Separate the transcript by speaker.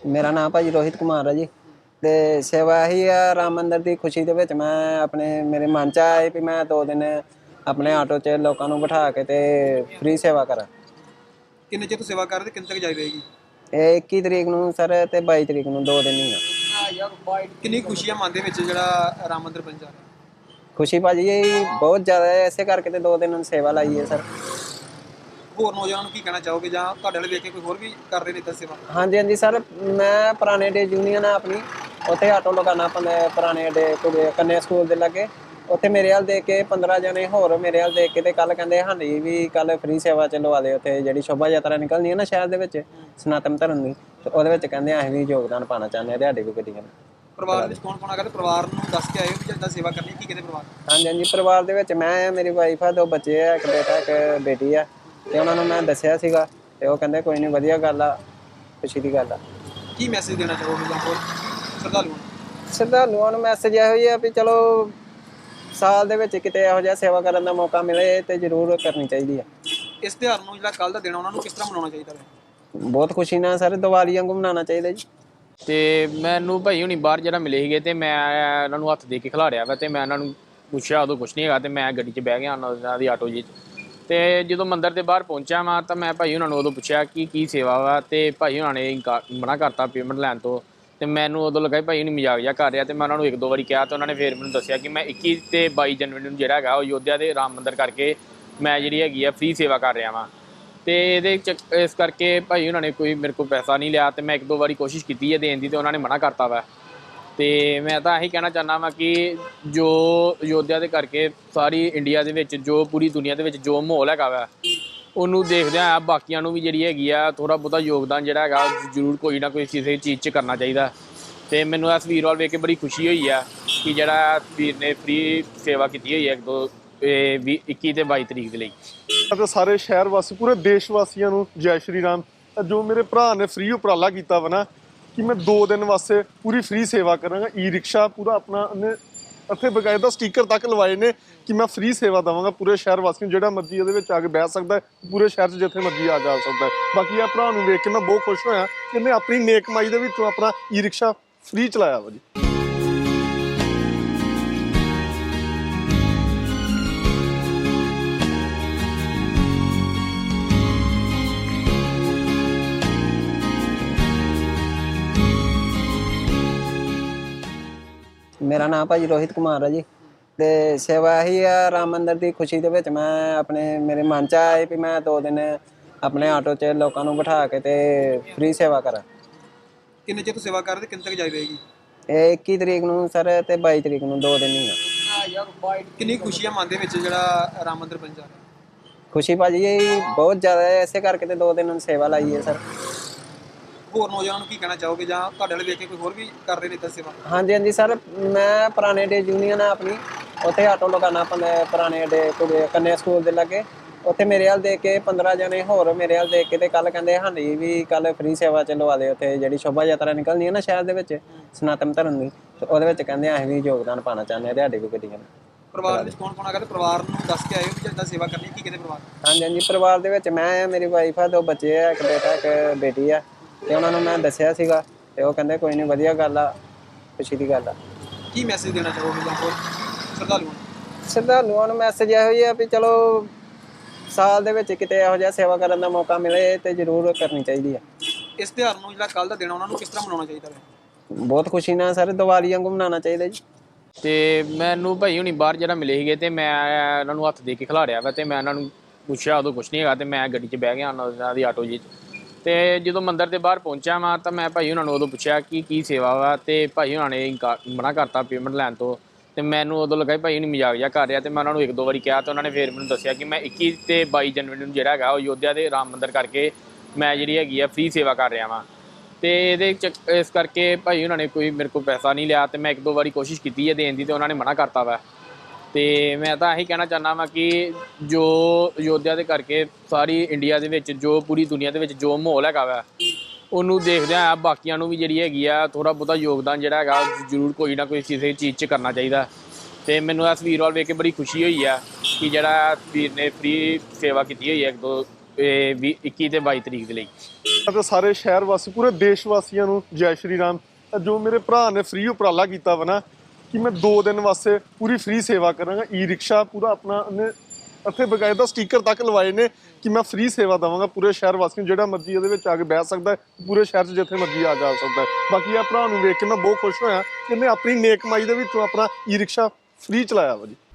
Speaker 1: ਮੇਰਾ ਨਾਮ ਭਾਜੀ ਰੋਹਿਤ ਕੁਮਾਰ ਹੈ ਜੀ। ਤੇ ਸੇਵਾ ਇਹੀ ਆ ਰਾਮ ਮੰਦਰ ਦੀ ਖੁਸ਼ੀ ਦੇ ਵਿੱਚ ਮੈਂ ਆਪਣੇ ਮੇਰੇ ਮਨ ਚ ਆਇਆ ਵੀ ਮੈਂ 2 ਦਿਨ ਆਪਣੇ ਆਟੋ 'ਚ ਲੋਕਾਂ ਨੂੰ ਬਿਠਾ ਕੇ ਤੇ ਫ੍ਰੀ ਸੇਵਾ ਕਰਾਂ।
Speaker 2: ਕਿੰਨੇ ਚਿਰ ਤੋਂ ਸੇਵਾ ਕਰ ਰਹੇ ਤੇ ਕਿੰਨੇ ਤੱਕ ਜਾਰੀ ਰਹੇਗੀ?
Speaker 1: ਇਹ 21 ਤਰੀਕ ਨੂੰ ਸਰ ਤੇ 22 ਤਰੀਕ ਨੂੰ 2 ਦਿਨ ਹੀ ਆ।
Speaker 2: ਕਿੰਨੀ ਖੁਸ਼ੀ ਆ ਮਨ ਦੇ ਵਿੱਚ ਜਿਹੜਾ ਰਾਮ ਮੰਦਿਰ ਬਣ ਜਾ ਰਿਹਾ?
Speaker 1: ਖੁਸ਼ੀ ਭਾਜੀ ਇਹ ਬਹੁਤ ਜ਼ਿਆਦਾ ਹੈ, ਇਸੇ ਕਰਕੇ ਤੇ 2 ਦਿਨ ਸੇਵਾ ਲਾਈ ਹੈ ਸਰ।
Speaker 2: ਹੋਰ ਨੌਜਵਾਨਾਂ ਨੂੰ ਕੀ ਕਹਿਣਾ ਚਾਹੋਗੇ ਜਾਂ ਤੁਹਾਡੇ ਵਾਲੇ ਵੇਖ ਕੇ ਕੋਈ ਹੋਰ ਵੀ ਕਰ ਰਹੇ ਨੇ ਇੱਦਾਂ ਸੇਵਾ?
Speaker 1: ਹਾਂਜੀ ਹਾਂਜੀ ਸਰ, ਮੈਂ ਪੁਰਾਣੇ ਡੇ ਯੂਨੀਅਨ ਆ ਆਪਣੀ, ਉੱਥੇ ਆਟੋ ਲਗਾਉਣਾ ਪੁਰਾਣੇ ਡੇ ਕੰਨਿਆ ਸਕੂਲ ਦੇ ਲਾਗੇ। ਉੱਥੇ ਮੇਰੇ ਹਾਲ ਦੇਖ ਕੇ 15 ਜਣੇ ਹੋਰ ਮੇਰੇ ਹਾਲ ਦੇਖ ਕੇ ਤੇ ਕੱਲ ਕਹਿੰਦੇ ਹਾਂਜੀ ਵੀ ਕੱਲ ਫ੍ਰੀ ਸੇਵਾ ਚ ਲਵਾ ਦੇ। ਉੱਥੇ ਜਿਹੜੀ ਸ਼ੋਭਾ ਯਾਤਰਾ ਨਿਕਲਣੀ ਹੈ ਨਾ ਸ਼ਹਿਰ ਦੇ ਵਿੱਚ ਸਨਾਤਨ ਧਰਮ ਦੀ, ਤੇ ਉਹਦੇ ਵਿੱਚ ਕਹਿੰਦੇ ਅਸੀਂ ਵੀ ਯੋਗਦਾਨ ਪਾਉਣਾ ਚਾਹੁੰਦੇ ਹਾਂ ਤੁਹਾਡੇ ਵੀ ਗੱਡੀਆਂ ਨੂੰ।
Speaker 2: ਪਰਿਵਾਰ ਵਿੱਚ ਕੌਣ ਕੌਣ ਆ ਗਿਆ ਤੇ ਪਰਿਵਾਰ ਨੂੰ ਦੱਸ ਕੇ ਆਏ ਹੋ ਕਿ ਜਿੱਦਾਂ ਸੇਵਾ ਕਰਨੀ ਕੀ ਕਹਿੰਦੇ ਪਰਿਵਾਰ?
Speaker 1: ਹਾਂਜੀ ਹਾਂਜੀ, ਪਰਿਵਾਰ ਦੇ ਵਿੱਚ ਮੈਂ, ਮੇਰੀ ਵਾਈਫ ਆ, 2 ਬੱਚੇ ਆ, ਇੱਕ ਬੇਟਾ ਇੱਕ ਬੇਟੀ ਆ। ਤੇ ਉਹਨਾਂ ਨੂੰ ਮੈਂ ਦੱਸਿਆ ਸੀਗਾ ਤੇ ਉਹ ਕਹਿੰਦੇ ਕੋਈ ਨਹੀਂ, ਵਧੀਆ ਗੱਲ ਆ, ਖੁਸ਼ੀ ਦੀ ਗੱਲ ਆ।
Speaker 2: ਕੀ ਮੈਸੇਜ ਦੇਣਾ ਚਾਹੋਗੇ ਜਾਂ ਹੋਰ ਸ਼ਰਧਾਲੂਆਂ ਨੂੰ?
Speaker 1: ਸ਼ਰਧਾਲੂਆਂ ਨੂੰ ਮੈਸੇਜ ਇਹੋ ਹੀ ਆ ਵੀ ਚਲੋ ਸਾਲ ਦੇ ਵਿੱਚ ਕਿਤੇ ਇਹੋ ਜਿਹਾ ਸੇਵਾ ਕਰਨ ਦਾ ਮੌਕਾ ਮਿਲੇ ਤੇ ਜ਼ਰੂਰ ਕਰਨੀ ਚਾਹੀਦੀ ਆ।
Speaker 2: ਇਸ ਤਿਉਹਾਰ ਨੂੰ ਜਿਹੜਾ ਕੱਲ ਦਾ ਦਿਨ ਉਹਨਾਂ ਨੂੰ ਕਿਸ ਤਰ੍ਹਾਂ ਮਨਾਉਣਾ ਚਾਹੀਦਾ ਹੈ?
Speaker 1: ਬਹੁਤ ਖੁਸ਼ੀ ਨਾਲ ਸਰ, ਦੀਵਾਲੀ ਵਾਂਗੂ ਮਨਾਉਣਾ ਚਾਹੀਦਾ ਜੀ।
Speaker 3: ਤੇ ਮੈਨੂੰ ਭਾਈ ਹੁਣੀ ਬਾਹਰ ਜਿਹੜਾ ਮਿਲੇ ਸੀਗੇ ਤੇ ਮੈਂ ਇਹਨਾਂ ਨੂੰ ਹੱਥ ਦੇ ਕੇ ਖਿਲਾਰਿਆ ਵਾ ਤੇ ਮੈਂ ਇਹਨਾਂ ਨੂੰ ਪੁੱਛਿਆ, ਉਦੋਂ ਕੁਛ ਨਹੀਂ ਹੈਗਾ ਤੇ ਮੈਂ ਗੱਡੀ 'ਚ ਬਹਿ ਗਿਆ ਉਹਨਾਂ ਦੀ ਆਟੋ ਜੀ 'ਚ। ਤੇ ਜਦੋਂ ਮੰਦਿਰ ਦੇ ਬਾਹਰ ਪਹੁੰਚਿਆ ਮੈਂ ਤਾਂ ਮੈਂ ਭਾਈ ਉਹਨਾਂ ਨੂੰ ਉਦੋਂ ਪੁੱਛਿਆ ਕਿ ਕੀ ਸੇਵਾ ਵਾ, ਤੇ ਭਾਈ ਉਹਨਾਂ ਨੇ ਮਨਾ ਕਰਤਾ ਪੇਮੈਂਟ ਲੈਣ ਤੋਂ। ਤੇ ਮੈਨੂੰ ਉਦੋਂ ਲੱਗਾ ਭਾਈ ਹੁਣੀ ਮਜ਼ਾਕ ਜਿਹਾ ਕਰ ਰਿਹਾ, ਤੇ ਮੈਂ ਉਹਨਾਂ ਨੂੰ 1-2 ਵਾਰੀ ਕਿਹਾ ਤੇ ਉਹਨਾਂ ਨੇ ਫਿਰ ਮੈਨੂੰ ਦੱਸਿਆ ਕਿ ਮੈਂ 21 ਤੇ 22 ਜਨਵਰੀ ਨੂੰ ਜਿਹੜਾ ਹੈਗਾ ਉਹ ਅਯੋਧਿਆ ਦੇ ਰਾਮ ਮੰਦਿਰ ਕਰਕੇ ਮੈਂ ਜਿਹੜੀ ਹੈਗੀ ਆ ਫ੍ਰੀ ਸੇਵਾ ਕਰ ਰਿਹਾ ਵਾਂ। ਤੇ ਇਹਦੇ ਚ ਇਸ ਕਰਕੇ ਭਾਈ ਉਹਨਾਂ ਨੇ ਕੋਈ ਮੇਰੇ ਕੋਲ ਪੈਸਾ ਨਹੀਂ ਲਿਆ, ਤੇ ਮੈਂ 1-2 ਵਾਰੀ ਕੋਸ਼ਿਸ਼ ਕੀਤੀ ਹੈ ਦੇਣ ਦੀ ਤੇ ਉਹਨਾਂ ਨੇ ਮਨਾ ਕਰਤਾ ਵਾ। ਤੇ ਮੈਂ ਤਾਂ ਇਹੀ ਕਹਿਣਾ ਚਾਹੁੰਦਾ ਵਾਂ ਕਿ ਜੋ ਅਯੋਧਿਆ ਦੇ ਕਰਕੇ ਸਾਰੀ ਇੰਡੀਆ ਦੇ ਵਿੱਚ, ਜੋ ਪੂਰੀ ਦੁਨੀਆ ਦੇ ਵਿੱਚ ਜੋ ਮਾਹੌਲ ਹੈਗਾ ਵਾ, ਉਹਨੂੰ ਦੇਖਦਿਆਂ ਆ ਬਾਕੀਆਂ ਨੂੰ ਵੀ ਜਿਹੜੀ ਹੈਗੀ ਆ ਥੋੜ੍ਹਾ ਬਹੁਤਾ ਯੋਗਦਾਨ ਜਿਹੜਾ ਹੈਗਾ ਜ਼ਰੂਰ ਕੋਈ ਨਾ ਕੋਈ ਕਿਸੇ ਚੀਜ਼ 'ਚ ਕਰਨਾ ਚਾਹੀਦਾ। ਤੇ ਮੈਨੂੰ ਇਸ ਵੀਰ ਵੱਲ ਵੇਖ ਕੇ ਬੜੀ ਖੁਸ਼ੀ ਹੋਈ ਆ ਕਿ ਜਿਹੜਾ ਵੀਰ ਨੇ ਫ੍ਰੀ ਸੇਵਾ ਕੀਤੀ ਹੋਈ ਹੈ 21 ਤੇ 22 ਤਰੀਕ ਦੇ ਲਈ।
Speaker 4: ਅਤੇ ਸਾਰੇ ਸ਼ਹਿਰ ਵਾਸੀ, ਪੂਰੇ ਦੇਸ਼ ਵਾਸੀਆਂ ਨੂੰ ਜੈ ਸ਼੍ਰੀ ਰਾਮ। ਜੋ ਮੇਰੇ ਭਰਾ ਨੇ ਫ੍ਰੀ ਉਪਰਾਲਾ ਕੀਤਾ ਵਾ ਨਾ ਕਿ ਮੈਂ 2 ਦਿਨ ਵਾਸਤੇ ਪੂਰੀ ਫ੍ਰੀ ਸੇਵਾ ਕਰਾਂਗਾ। ਈ ਰਿਕਸ਼ਾ ਪੂਰਾ ਆਪਣਾ ਉਹਨੇ ਇੱਥੇ ਬਕਾਇਦਾ ਸਟੀਕਰ ਤੱਕ ਲਵਾਏ ਨੇ ਕਿ ਮੈਂ ਫ੍ਰੀ ਸੇਵਾ ਦੇਵਾਂਗਾ ਪੂਰੇ ਸ਼ਹਿਰ ਵਾਸੀਆਂ ਨੂੰ। ਜਿਹੜਾ ਮਰਜ਼ੀ ਇਹਦੇ ਵਿੱਚ ਆ ਕੇ ਬਹਿ ਸਕਦਾ, ਪੂਰੇ ਸ਼ਹਿਰ 'ਚ ਜਿੱਥੇ ਮਰਜ਼ੀ ਆ ਜਾ ਸਕਦਾ। ਬਾਕੀ ਆ ਭਰਾ ਨੂੰ ਵੇਖ ਕੇ ਮੈਂ ਬਹੁਤ ਖੁਸ਼ ਹੋਇਆ ਕਿ ਇਹਨੇ ਆਪਣੀ ਨੇਕ ਕਮਾਈ ਦੇ ਵਿੱਚੋਂ ਆਪਣਾ ਈ ਰਿਕਸ਼ਾ ਫ੍ਰੀ ਚਲਾਇਆ ਵਾ ਜੀ।
Speaker 1: ਮੇਰਾ ਨਾਮ ਭਾਜੀ ਰੋਹਿਤ ਕੁਮਾਰ ਹੈ ਜੀ। ਤੇ ਸੇਵਾ ਇਹੀ ਆ ਰਾਮ ਮੰਦਰ ਦੀ ਖੁਸ਼ੀ ਦੇ ਵਿੱਚ ਮੈਂ ਆਪਣੇ ਮੇਰੇ ਮਨ ਚ ਆਇਆ ਵੀ ਮੈਂ 2 ਦਿਨ ਆਪਣੇ ਆਟੋ 'ਚ ਲੋਕਾਂ ਨੂੰ ਬਿਠਾ ਕੇ ਤੇ ਫ੍ਰੀ ਸੇਵਾ ਕਰਾਂ।
Speaker 2: ਕਿੰਨੇ ਚਿਰ ਤੋਂ ਸੇਵਾ ਕਰ ਰਹੇ ਤੇ ਕਿੰਨੇ ਤੱਕ ਜਾਰੀ ਰਹੇਗੀ?
Speaker 1: ਇਹ 21 ਤਰੀਕ ਨੂੰ ਸਰ ਤੇ 22 ਤਰੀਕ ਨੂੰ 2 ਦਿਨ ਹੀ ਆ।
Speaker 2: ਕਿੰਨੀ ਖੁਸ਼ੀ ਆ ਮਨ ਦੇ ਵਿੱਚ ਜਿਹੜਾ ਰਾਮ ਮੰਦਿਰ ਬਣ ਜਾ ਰਿਹਾ?
Speaker 1: ਖੁਸ਼ੀ ਭਾਜੀ ਇਹ ਬਹੁਤ ਜ਼ਿਆਦਾ ਹੈ, ਇਸੇ ਕਰਕੇ ਤੇ 2 ਦਿਨ ਸੇਵਾ ਲਾਈ ਹੈ ਸਰ।
Speaker 2: ਹੋਰ ਨੌਜਵਾਨਾਂ ਨੂੰ ਕੀ ਕਹਿਣਾ ਚਾਹੋਗੇ ਜਾਂ ਤੁਹਾਡੇ ਵਾਲੇ ਵੇਖ ਕੇ ਕੋਈ ਹੋਰ ਵੀ ਕਰ ਰਹੇ ਨੇ ਇੱਦਾਂ ਸੇਵਾ?
Speaker 1: ਹਾਂਜੀ ਹਾਂਜੀ ਸਰ, ਮੈਂ ਪੁਰਾਣੇ ਡੇ ਯੂਨੀਅਨ ਆ ਆਪਣੀ, ਉੱਥੇ ਆਟੋ ਲਗਾਉਣਾ ਪੁਰਾਣੇ ਡੇ ਕੰਨਿਆ ਸਕੂਲ ਦੇ ਲਾਗੇ। ਉੱਥੇ ਮੇਰੇ ਹਾਲ ਦੇਖ ਕੇ 15 ਜਣੇ ਹੋਰ ਮੇਰੇ ਹਾਲ ਦੇਖ ਕੇ ਤੇ ਕੱਲ ਕਹਿੰਦੇ ਹਾਂਜੀ ਵੀ ਕੱਲ ਫ੍ਰੀ ਸੇਵਾ ਚ ਲਵਾ ਦੇ। ਉੱਥੇ ਜਿਹੜੀ ਸ਼ੋਭਾ ਯਾਤਰਾ ਨਿਕਲਣੀ ਹੈ ਨਾ ਸ਼ਹਿਰ ਦੇ ਵਿੱਚ ਸਨਾਤਨ ਧਰਮ ਦੀ, ਤੇ ਉਹਦੇ ਵਿੱਚ ਕਹਿੰਦੇ ਅਸੀਂ ਵੀ ਯੋਗਦਾਨ ਪਾਉਣਾ ਚਾਹੁੰਦੇ ਹਾਂ ਤੁਹਾਡੇ ਵੀ ਗੱਡੀਆਂ ਨੂੰ।
Speaker 2: ਪਰਿਵਾਰ ਵਿੱਚ ਕੌਣ ਕੌਣ ਆ ਗਿਆ ਤੇ ਪਰਿਵਾਰ ਨੂੰ ਦੱਸ ਕੇ ਆਏ ਹੋ ਕਿ ਜਿੱਦਾਂ ਸੇਵਾ ਕਰਨੀ ਕੀ ਕਹਿੰਦੇ ਪਰਿਵਾਰ?
Speaker 1: ਹਾਂਜੀ ਹਾਂਜੀ, ਪਰਿਵਾਰ ਦੇ ਵਿੱਚ ਮੈਂ ਆ, ਮੇਰੀ ਵਾਈਫ ਆ, 2 ਬੱਚੇ ਆ, ਇੱਕ ਬੇਟਾ ਇੱਕ ਬੇਟੀ ਆ। ਤੇ ਉਹਨਾਂ ਨੂੰ ਮੈਂ ਦੱਸਿਆ ਸੀਗਾ ਤੇ ਉਹ ਕਹਿੰਦੇ ਕੋਈ ਨਹੀਂ, ਵਧੀਆ ਗੱਲ ਆ, ਖੁਸ਼ੀ ਦੀ ਗੱਲ ਆ।
Speaker 2: ਕੀ ਮੈਸੇਜ ਦੇਣਾ ਚਾਹੋਗੇ ਜਾਂ ਹੋਰ ਸ਼ਰਧਾਲੂਆਂ ਨੂੰ?
Speaker 1: ਸ਼ਰਧਾਲੂਆਂ ਨੂੰ ਮੈਸੇਜ ਇਹੋ ਹੀ ਆ ਵੀ ਚਲੋ ਸਾਲ ਦੇ ਵਿੱਚ ਕਿਤੇ ਇਹੋ ਜਿਹਾ ਸੇਵਾ ਕਰਨ ਦਾ ਮੌਕਾ ਮਿਲੇ ਤੇ ਜ਼ਰੂਰ ਕਰਨੀ ਚਾਹੀਦੀ ਆ।
Speaker 2: ਇਸ ਤਿਉਹਾਰ ਨੂੰ ਜਿਹੜਾ ਕੱਲ ਦਾ ਦਿਨ ਉਹਨਾਂ ਨੂੰ ਕਿਸ ਤਰ੍ਹਾਂ ਮਨਾਉਣਾ ਚਾਹੀਦਾ ਹੈ?
Speaker 1: ਬਹੁਤ ਖੁਸ਼ੀ ਨਾਲ ਸਰ, ਦੀਵਾਲੀ ਵਾਂਗੂ ਮਨਾਉਣਾ ਚਾਹੀਦਾ ਜੀ।
Speaker 3: ਤੇ ਮੈਨੂੰ ਭਾਈ ਹੁਣੀ ਬਾਹਰ ਜਿਹੜਾ ਮਿਲੇ ਸੀਗੇ ਤੇ ਮੈਂ ਇਹਨਾਂ ਨੂੰ ਹੱਥ ਦੇ ਕੇ ਖਿਲਾਰਿਆ ਵਾ ਤੇ ਮੈਂ ਇਹਨਾਂ ਨੂੰ ਪੁੱਛਿਆ, ਉਦੋਂ ਕੁਛ ਨਹੀਂ ਹੈਗਾ ਤੇ ਮੈਂ ਗੱਡੀ 'ਚ ਬਹਿ ਗਿਆ ਉਹਨਾਂ ਦੀ ਆਟੋ ਜੀ 'ਚ। ਤੇ ਜਦੋਂ ਮੰਦਿਰ ਦੇ ਬਾਹਰ ਪਹੁੰਚਿਆ ਮੈਂ ਤਾਂ ਮੈਂ ਭਾਈ ਉਹਨਾਂ ਨੂੰ ਉਦੋਂ ਪੁੱਛਿਆ ਕਿ ਕੀ ਸੇਵਾ ਵਾ, ਤੇ ਭਾਈ ਉਹਨਾਂ ਨੇ ਮਨਾ ਕਰਤਾ ਪੇਮੈਂਟ ਲੈਣ ਤੋਂ। ਤੇ ਮੈਨੂੰ ਉਦੋਂ ਲੱਗਾ ਭਾਈ ਹੁਣੀ ਮਜ਼ਾਕ ਜਿਹਾ ਕਰ ਰਿਹਾ, ਤੇ ਮੈਂ ਉਹਨਾਂ ਨੂੰ 1-2 ਵਾਰੀ ਕਿਹਾ ਤੇ ਉਹਨਾਂ ਨੇ ਫਿਰ ਮੈਨੂੰ ਦੱਸਿਆ ਕਿ ਮੈਂ 21 ਤੇ 22 ਜਨਵਰੀ ਨੂੰ ਜਿਹੜਾ ਹੈਗਾ ਉਹ ਅਯੋਧਿਆ ਦੇ ਰਾਮ ਮੰਦਿਰ ਕਰਕੇ ਮੈਂ ਜਿਹੜੀ ਹੈਗੀ ਆ ਫ੍ਰੀ ਸੇਵਾ ਕਰ ਰਿਹਾ ਵਾਂ। ਤੇ ਇਹਦੇ ਚ ਇਸ ਕਰਕੇ ਭਾਈ ਉਹਨਾਂ ਨੇ ਕੋਈ ਮੇਰੇ ਕੋਲ ਪੈਸਾ ਨਹੀਂ ਲਿਆ, ਤੇ ਮੈਂ 1-2 ਵਾਰੀ ਕੋਸ਼ਿਸ਼ ਕੀਤੀ ਹੈ ਦੇਣ ਦੀ ਤੇ ਉਹਨਾਂ ਨੇ ਮਨਾ ਕਰਤਾ ਵਾ। ਤੇ ਮੈਂ ਤਾਂ ਇਹੀ ਕਹਿਣਾ ਚਾਹੁੰਦਾ ਵਾਂ ਕਿ ਜੋ ਅਯੋਧਿਆ ਦੇ ਕਰਕੇ ਸਾਰੀ ਇੰਡੀਆ ਦੇ ਵਿੱਚ, ਜੋ ਪੂਰੀ ਦੁਨੀਆ ਦੇ ਵਿੱਚ ਜੋ ਮਾਹੌਲ ਹੈਗਾ ਵਾ, ਉਹਨੂੰ ਦੇਖਦਿਆਂ ਆ ਬਾਕੀਆਂ ਨੂੰ ਵੀ ਜਿਹੜੀ ਹੈਗੀ ਆ ਥੋੜ੍ਹਾ ਬਹੁਤਾ ਯੋਗਦਾਨ ਜਿਹੜਾ ਹੈਗਾ ਜ਼ਰੂਰ ਕੋਈ ਨਾ ਕੋਈ ਕਿਸੇ ਚੀਜ਼ 'ਚ ਕਰਨਾ ਚਾਹੀਦਾ। ਤੇ ਮੈਨੂੰ ਇਸ ਵੀਰ ਵੱਲ ਵੇਖ ਕੇ ਬੜੀ ਖੁਸ਼ੀ ਹੋਈ ਆ ਕਿ ਜਿਹੜਾ ਵੀਰ ਨੇ ਫ੍ਰੀ ਸੇਵਾ ਕੀਤੀ ਹੋਈ ਹੈ 21 ਤੇ 22 ਤਰੀਕ ਦੇ ਲਈ।
Speaker 4: ਅਤੇ ਸਾਰੇ ਸ਼ਹਿਰ ਵਾਸੀ ਪੂਰੇ ਦੇਸ਼ ਵਾਸੀਆਂ ਨੂੰ ਜੈ ਸ਼੍ਰੀ ਰਾਮ। ਜੋ ਮੇਰੇ ਭਰਾ ਨੇ ਫ੍ਰੀ ਉਪਰਾਲਾ ਕੀਤਾ ਵਾ ਨਾ ਕਿ ਮੈਂ 2 ਦਿਨ ਵਾਸਤੇ ਪੂਰੀ ਫ੍ਰੀ ਸੇਵਾ ਕਰਾਂਗਾ। ਈ ਰਿਕਸ਼ਾ ਪੂਰਾ ਆਪਣਾ ਉਹਨੇ ਇੱਥੇ ਬਕਾਇਦਾ ਸਟicker ਤੱਕ ਲਵਾਏ ਨੇ ਕਿ ਮੈਂ ਫ੍ਰੀ ਸੇਵਾ ਦੇਵਾਂਗਾ ਪੂਰੇ ਸ਼ਹਿਰ ਵਾਸੀਆਂ ਨੂੰ। ਜਿਹੜਾ ਮਰਜ਼ੀ ਇਹਦੇ ਵਿੱਚ ਆ ਕੇ ਬਹਿ ਸਕਦਾ ਹੈ, ਪੂਰੇ ਸ਼ਹਿਰ 'ਚ ਜਿੱਥੇ ਮਰਜ਼ੀ ਆ ਜਾ ਸਕਦਾ ਹੈ। ਬਾਕੀ ਇਹ ਭਰਾ ਨੂੰ ਵੇਖ ਕੇ ਮੈਂ ਬਹੁਤ ਖੁਸ਼ ਹੋਇਆ ਕਿ ਇਹਨੇ ਆਪਣੀ ਨੇਕ ਕਮਾਈ ਦੇ ਵਿੱਚੋਂ ਆਪਣਾ ਈ ਰਿਕਸ਼ਾ ਫ੍ਰੀ ਚਲਾਇਆ ਵਾ ਜੀ।